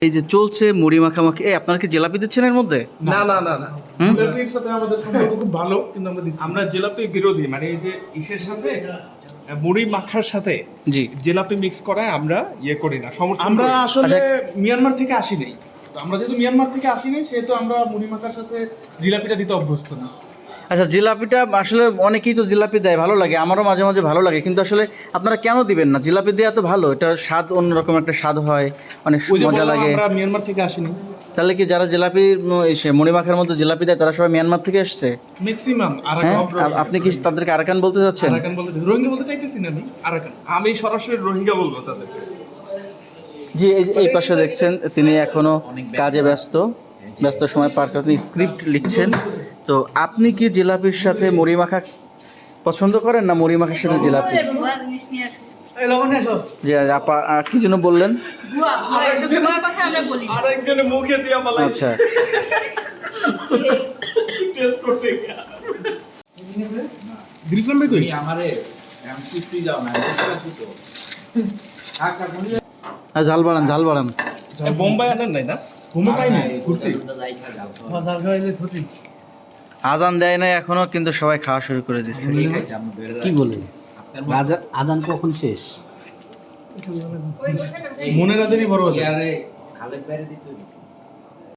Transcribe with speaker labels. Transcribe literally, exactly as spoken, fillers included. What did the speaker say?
Speaker 1: এই যে চলছে মুড়ি মাখামাখি, এই আপনারা কি জিলাপি দিচ্ছেন এর মধ্যে?
Speaker 2: না না না না
Speaker 1: হুম?
Speaker 3: জিলাপির সাথে আমাদের সম্পর্ক খুব ভালো, কিন্তু আমরা দিচ্ছি না।
Speaker 2: আমরা জিলাপি বিরোধী, মানে এই যে ইসের সাথে মুড়ি মাখার সাথে
Speaker 1: জি।
Speaker 2: জিলাপি মিক্স করায় আমরা ইয়ে করি না, সমর্থন
Speaker 3: আমরা
Speaker 2: করি না।
Speaker 3: আসলে
Speaker 1: আচ্ছা।
Speaker 3: মিয়ানমার থেকে আসি নাই। তো আমরা যেহেতু মিয়ানমার থেকে আসি নাই, সেহেতু আমরা মুড়ি মাখার সাথে জিলাপিটা দিতে অভ্যস্ত না।
Speaker 1: আচ্ছা, জিলাপিটা আসলে অনেকেই তো জিলাপি দেয়, ভালো লাগে, আমারও মাঝে মাঝে ভালো লাগে, কিন্তু আসলে আপনারা কেন দিবেন না? জিলাপি দেওয়া তো ভালো, এটা স্বাদ অন্যরকম একটা স্বাদ হয়, অনেক
Speaker 3: ওই যে
Speaker 1: মজা
Speaker 3: বললাম,
Speaker 1: লাগে।
Speaker 3: আমরা মিয়ানমার থেকে আসিনি।
Speaker 1: তাহলে কি যারা জিলাপি উম, এসে মুড়ি মাখার মধ্যে জিলাপি দেয় তারা সবাই মিয়ানমার থেকে এসছে?
Speaker 3: ম্যাক্সিমাম
Speaker 1: হ্যাঁ,
Speaker 3: আরাকান।
Speaker 1: আপ- আপনি কি তাদেরকে আরাকান বলতে চাচ্ছেন?
Speaker 3: আরাকান বলতে রোহিঙ্গা বলতে চাইতেছি না, আমি আরাকান।
Speaker 2: আমি সরাসরি রোহিঙ্গা বলবো তাদেরকে।
Speaker 1: জি, এই যে এই পাশে দেখছেন তিনি এখনো কাজে ব্যস্ত, ব্যস্ত সময় পার করে তিনি স্ক্রিপ্ট লিখছেন। তো আপনি কি জিলাপির সাথে মুড়ি মাখা পছন্দ করেন না মুড়ি মাখার সাথে জিলাপি? জি, আপা আহ, কি জন্য বললেন?
Speaker 2: আরেকজনে মুখে দিয়া পালাইছে
Speaker 1: আচ্ছা,
Speaker 2: টেস্ট করতে গিয়া।
Speaker 3: দিরিসলাম ভাই কই?
Speaker 1: আর ঝাল বাড়ান, ঝাল বাড়ান।
Speaker 2: এ, বোম্বাই আনেন নাই না?
Speaker 3: ঘুমো পাই না, ঘুরছি।
Speaker 1: আজান দেয় নাই এখনো, কিন্তু সবাই খাওয়া শুরু করে দিচ্ছে।
Speaker 4: কি বলে রাজা- আজান কখন শেষ?
Speaker 3: মনের আজানই বড় আজান।
Speaker 4: খালেদ বাইরে দিতে